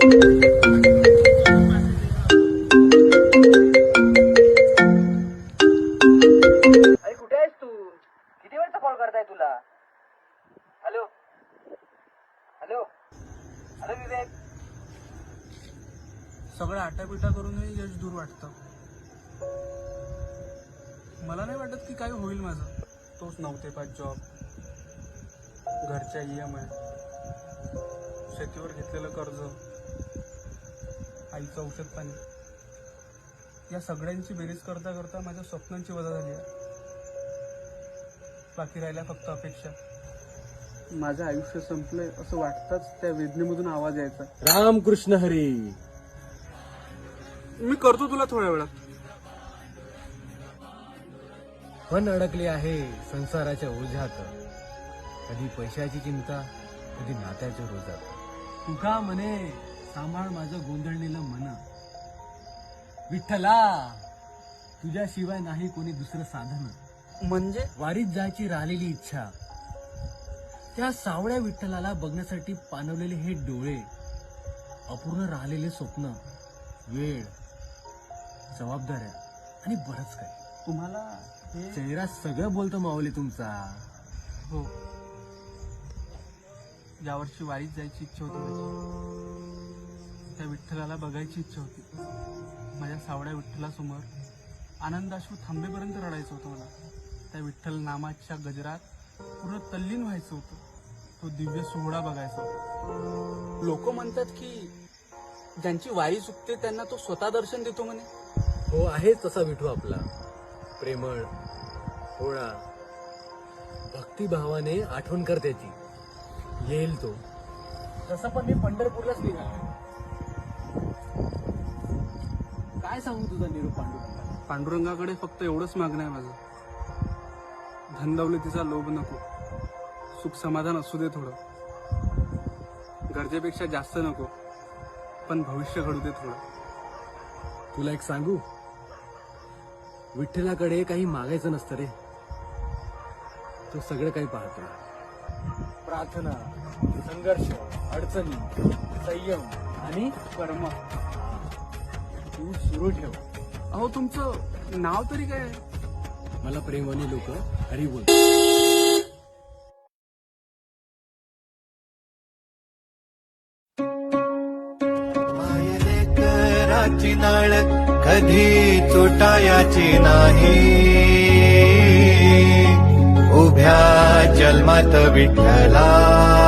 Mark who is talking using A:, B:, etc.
A: अरे कुठे आहेस तू? किती वेळचा कॉल करताय तुला? Hello hello hello Vivek.
B: सगळं आटापिटा करूनही यश दूर वाटतं. मला नाही वाटत की काय होईल माझं. तोच 9 ते 5 जॉब, घरच्या EMI, शेतीवर घेतलेलं कर्ज, आईचं औषध पाणी, या सगळ्यांची बेरीज करता करता माझ्या स्वप्नांची वजा झाली आहे. बाकी राहिल्या फक्त अपेक्षा. माझं आयुष्य संपलंय असं वाटताच त्या वेदनेमधून आवाज यायचा,
C: रामकृष्ण हरी.
B: मी करतो तुला थोड्या वेळात.
C: पण अडकले आहे संसाराच्या ओझ्यात, कधी पैशाची चिंता, कधी नात्याच्या रोजात. तुका म्हणे सांभाळ माझं गोंधळलेलं मन, विठ्ठला तुझ्याशिवाय नाही कोणी दुसरं साधन.
B: म्हणजे
C: वारीत जायची राहिलेली इच्छा, त्या सावळ्या विठ्ठलाला बघण्यासाठी पाणवलेले हे डोळे, अपूर्ण राहिलेले स्वप्न, वेळ, जबाबदाऱ्या आणि बरंच काही.
B: तुम्हाला हे
C: चेहरा सगळं बोलतो माऊली तुमचा.
B: हो, यावर्षी वारीत जायची इच्छा होती माझी. त्या विठ्ठलाला बघायची इच्छा होती. माझ्या सावड्या विठ्ठलासमोर आनंदाश्रू थांबेपर्यंत रडायचं होतं मला. त्या विठ्ठल नामाच्या गजरात पूर्ण तल्लीन व्हायचं होतं. तो दिव्य सोहळा बघायचा होता. लोक म्हणतात की ज्यांची वारी चुकते त्यांना तो स्वतः दर्शन देतो म्हणे.
C: हो, आहे तसा विठू आपला, प्रेमळ, भोळा, भक्तिभावाने आठवण कर त्याची. येईल तो. तसं पण मी पंढरपूरलाच निघालो. काय सांगू तुझा निरोप पांडुरंगा?
B: पांडुरंगाकडे फक्त एवढंच मागणं आहे माझं. धनदौलतीचा लोभ नको, सुख समाधान असू दे थोडं. गरजेपेक्षा जास्त नको, पण भविष्य घडू दे थोडं.
C: तुला एक सांगू, विठ्ठलाकडे काही मागायचं नसतं रे. तो सगळं काही पाहतो. प्रार्थना, संघर्ष, अडचणी, संयम आणि
B: कर्म.
C: तू सुरू ठेव.
B: अहो, तुमचं नाव तरी काय आहे?
C: मला प्रेमाने लोक हरी बोल.
D: मायले कराची नाळ कधी तुटायाची नाही. उभ्या जन्मात विठ्ठला